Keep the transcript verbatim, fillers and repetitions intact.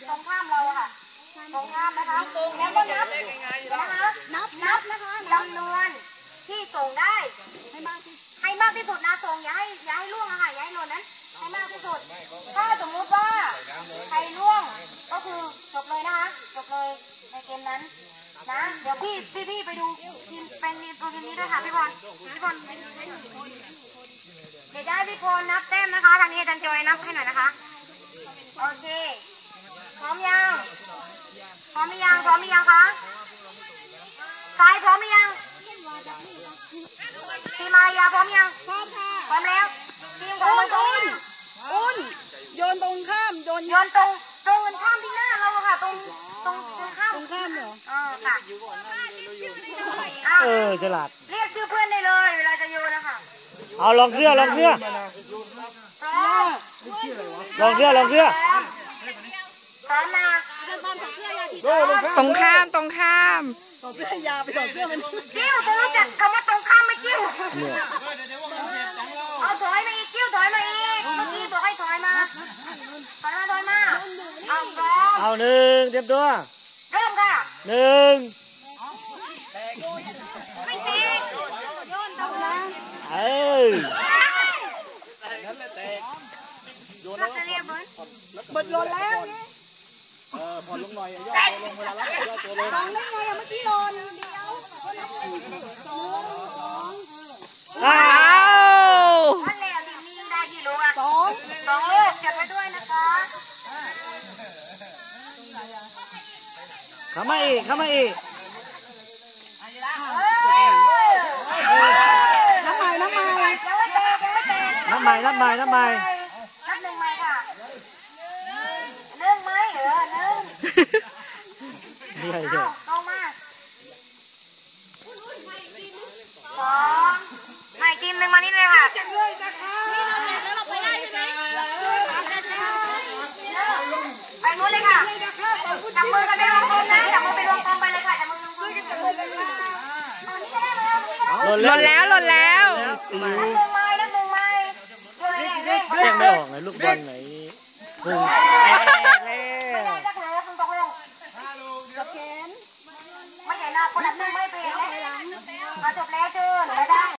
ตรงข้ามเราค่ะตรงข้ามนะคะแล้วก็นับนะคะนับนับนะคะจำนวนที่ส่งได้ให้มากที่ให้มากที่สุดนะส่งอย่าให้อย่าให้ล่วงอะค่ะอย่าให้หล่นนั้นให้มากที่สุดถ้าสมมุติว่าใครล่วงก็คือจบเลยนะคะจบเลยในเกมนั้นนะเดี๋ยวพี่พี่พี่ไปดูทีมเป็นตัวทีมนี้ด้วยค่ะพี่บอลพี่บอลเดี๋ยวจะให้พี่พลนับแต้มนะคะทางนี้อาจารย์จอยนับให้หน่อยนะคะโอเคพร้อมยังพร้อมหรือยังพร้อมหรือยังคะสายพร้อมหรือยังทีมมายาพร้อมยังพร้อมค่ะพร้อมแล้วทีมของมันอุ่นอุ่นโยนตรงข้ามโยนโยนตรงตรงข้ามที่หน้าเราค่ะตรงตรงตรงข้ามตรงข้ามเหรอเออค่ะเออฉลาดเรียกชื่อเพื่อนได้เลยเวลาจะโยนนะคะเอาลองเสื้อลองเสื้อลองเสื้อลองเสื้อพร้อมนะตรงข้ามตรงข้ามต่อเสื้อยาไปต่อเสื้อมันกิ้วเธอรู้จักคำว่าตรงข้ามไหมกิ้วเอาถอยมาอีกกิ้วถอยมาอีกเมื่อกี้บอกให้ถอยมาถอยมาถอยมาเอาพร้อมเอาหนึ่งเตรียมตัวเริ่มค่ะหนึ่งไม่ตีโยนตรงนั้นเออโยนแล้วเรียบร้อยเบิดโยนแล้วเออพอลงหน่อยย่อตัวลงเวลารับย่อตัวลงสองได้ไงอะเมื่อกี้โยนเดียวสองสองอ้าวอันแล้วนี่มีได้กี่ลูกอะสองสองลูกเก็บไว้ด้วยนะคะเข้ามาอีกเข้ามาอีกน้ำใหม่น้ำใหม่ยังไม่เตะยังไม่เตะน้ำใหม่น้ำใหม่น้ำใหม่นับหนึ่งใหม่ค่ะหนึ่งไหมเออหนึ่งเอาลงมาสองใหม่ทีมหนึ่งมานี่เลยค่ะแล้วเราไปได้ใช่ไหมไปนู้นเลยค่ะจับมือกันไปรวมกลมนะจับมือไปรวมกลมไปเลยค่ะจับมือรวมกลมจับมือไปเลยหล่นแล้วหล่นแล้วนับหนึ่งไม้นับหนึ่งไม้เรียกไม่ออกไงลูกบอลไหนพุงแตกเลยไม่ได้จะเผลอคุณตกลงกับแขนไม่ใช่หน้าคนนับหนึ่งไม่เปลี่ยนแล้วจบแล้วเจอหนูไม่ได้